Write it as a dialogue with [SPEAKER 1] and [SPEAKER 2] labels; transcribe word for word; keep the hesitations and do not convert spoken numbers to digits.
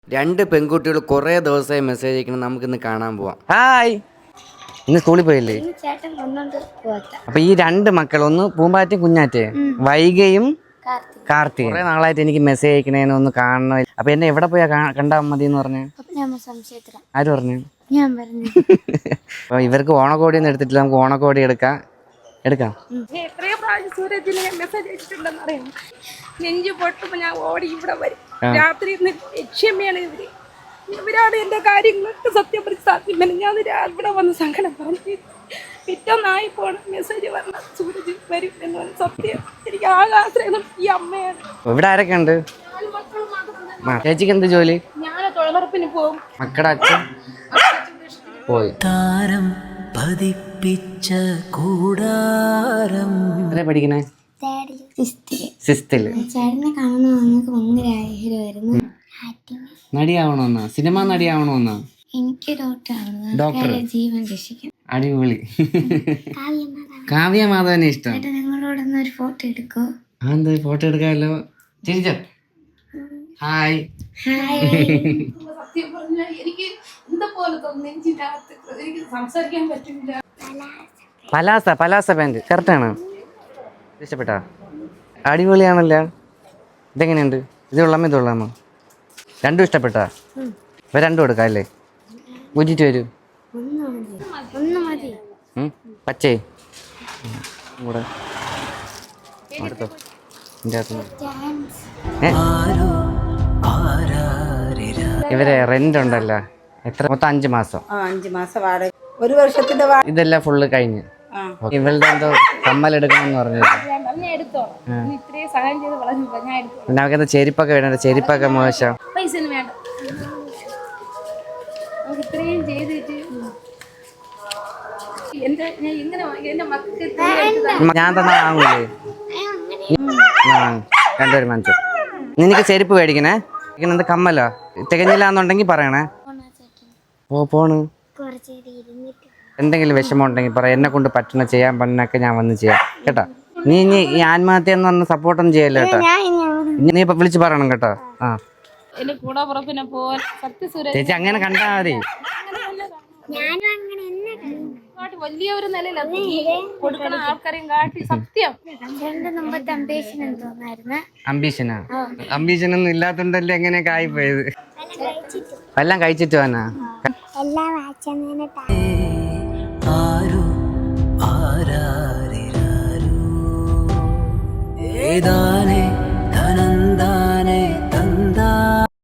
[SPEAKER 1] രണ്ട് പെൺകുട്ടികൾ കുറേ ദിവസമായി മെസ്സേജ് അയക്കണം. നമുക്കിന്ന് കാണാൻ പോവാം.
[SPEAKER 2] ഹായ്, ഇന്ന് സ്കൂളിൽ പോയില്ലേ? അപ്പൊ ഈ രണ്ട് മക്കൾ, ഒന്ന് പൂമ്പാറ്റയും കുഞ്ഞാറ്റേ, വൈകയും കാർത്തിക. കുറെ നാളായിട്ട് എനിക്ക് മെസ്സേജ് അയക്കണേന്ന് ഒന്ന് കാണണം. അപ്പൊ എന്നെ എവിടെ പോയാ കണ്ടാ മതി എന്ന് പറഞ്ഞു? ആര് പറഞ്ഞു? അപ്പൊ ഇവർക്ക് ഓണക്കോടി ഒന്നും എടുത്തിട്ടില്ല. നമുക്ക് ഓണക്കോടി എടുക്കാം എടുക്കാം
[SPEAKER 3] നെഞ്ചു പൊട്ടുമ്പോ ഞാൻ ഓടി ഇവിടെ വരും. രാത്രി ലക്ഷ്യമ്മയാണ് ഇവര്. ഇവരാണ് എന്റെ കാര്യങ്ങളൊക്കെ സത്യം പറഞ്ഞ് സാധ്യം. ഞാൻ ഇവിടെ വന്ന് സങ്കടം പറഞ്ഞു. പിറ്റൊന്നായി പോണ മെസ്സേജ് പറഞ്ഞ സൂരജ് വരും എന്ന് പറഞ്ഞ സത്യം. എനിക്ക് ആകെ ആശ്രയം ഈ അമ്മയാണ്.
[SPEAKER 2] ഇവിടെ ആരൊക്കെ ഉണ്ട്? ചേച്ചിക്ക് എന്ത് ജോലി?
[SPEAKER 3] ഞാൻ തൊഴിലുറപ്പിന് പോകും.
[SPEAKER 2] മക്കളുടെ അച്ഛൻ പോയി.
[SPEAKER 4] താരം പതിപ്പിച്ച കൂടാരം.
[SPEAKER 2] എത്ര പഠിക്കണേ? സിസ്തില്.
[SPEAKER 5] ചേട്ടനെ കാണുന്ന ഞങ്ങൾക്ക് ഭയങ്കര ആഗ്രഹമായിരുന്നു.
[SPEAKER 2] നടിയാവണമെന്നാ? സിനിമ നടിയാവണമെന്നാ?
[SPEAKER 5] എനിക്ക് ഡോക്ടർ
[SPEAKER 2] ഡോക്ടർ
[SPEAKER 5] ജീവൻ രക്ഷിക്കും.
[SPEAKER 2] അടിപൊളി. കാവ്യ മാധവനെ ഇഷ്ടം.
[SPEAKER 5] ചേട്ടൻ നിങ്ങളോടൊന്ന് ഒരു ഫോട്ടോ എടുക്കോ?
[SPEAKER 2] ആ, എന്ത് ഫോട്ടോ എടുക്കാമല്ലോ. ചിരിച്ചോ? ഹായ്.
[SPEAKER 3] സത്യം പറഞ്ഞാൽ എനിക്ക് എന്താ പോലെ നെഞ്ചിനകത്ത് എനിക്ക് സംസാരിക്കാൻ പറ്റില്ല.
[SPEAKER 2] പലാസ പലാസ പാൻറ് കറക്റ്റാണ്. ഇഷ്ടപ്പെട്ടാ? അടിപൊളിയാണല്ലോ. ഇതെങ്ങനെയുണ്ട്? ഇത് കൊള്ളാമോ ഇത് കൊള്ളാമോ? രണ്ടും ഇഷ്ടപ്പെട്ടാ? ഇപ്പൊ രണ്ടും എടുക്കാം അല്ലേ? ഊറ്റിട്ട് വരൂ. പച്ചേ കൂടെ അടുത്തോ. ഇവരെ റെന്റ് ഉണ്ടല്ലോ, എത്ര? മൊത്തം അഞ്ചു മാസം.
[SPEAKER 6] അഞ്ചു മാസം വാടക, ഒരു വർഷത്തിന്റെ.
[SPEAKER 2] ഇതെല്ലാം ഫുള്ള് കഴിഞ്ഞ് ഇവളുടെ എന്തോ കമ്മലെടുക്കണമെന്ന് പറഞ്ഞത്. പിന്നെ അവർക്ക് ചെരുപ്പൊക്കെ വേണ്ട. ചെരുപ്പൊക്കെ മോശം.
[SPEAKER 3] പൈസ വേണ്ട. ഇത്രയും ചെയ്തിട്ട് എന്റെ എങ്ങനെ എന്റെ മക്കൾക്ക്
[SPEAKER 2] ഞാൻ തന്നെ വാങ്ങൂലേ? രണ്ടുപേരും വാങ്ങിച്ചു. നിനക്ക് ചെരുപ്പ് മേടിക്കണേ? എന്ത് കമ്മലോ? തികഞ്ഞില്ലാന്നുണ്ടെങ്കിൽ പറയണേ. ഓ പോണ്. എന്തെങ്കിലും വിഷമം ഉണ്ടെങ്കിൽ പറ. എന്നെ കൊണ്ട് പറ്റണ ചെയ്യാൻ പറ്റുന്നൊക്കെ ഞാൻ വന്ന് ചെയ്യാം കേട്ടോ. നീ ഇനി ഈ ആത്മഹത്യ എന്ന് പറഞ്ഞ സപ്പോർട്ടൊന്നും ചെയ്യല്ലോ കേട്ടോ. നീ ഇപ്പൊ വിളിച്ച് പറയണം കേട്ടോ. ആ ചേച്ചി അങ്ങനെ കണ്ടാ മതി.
[SPEAKER 3] വലിയൊരു നിലയിലാണ് കൊടുക്കണ ആൾക്കാരെയും കാട്ടി സത്യം.
[SPEAKER 2] അംബീഷനാ? അംബീഷൻ ഒന്നും ഇല്ലാത്തോണ്ടല്ലേ എങ്ങനെയൊക്കെ ആയിപ്പോയത്. എല്ലാം കഴിച്ചിട്ട് വന്നാ
[SPEAKER 4] ഏതാനും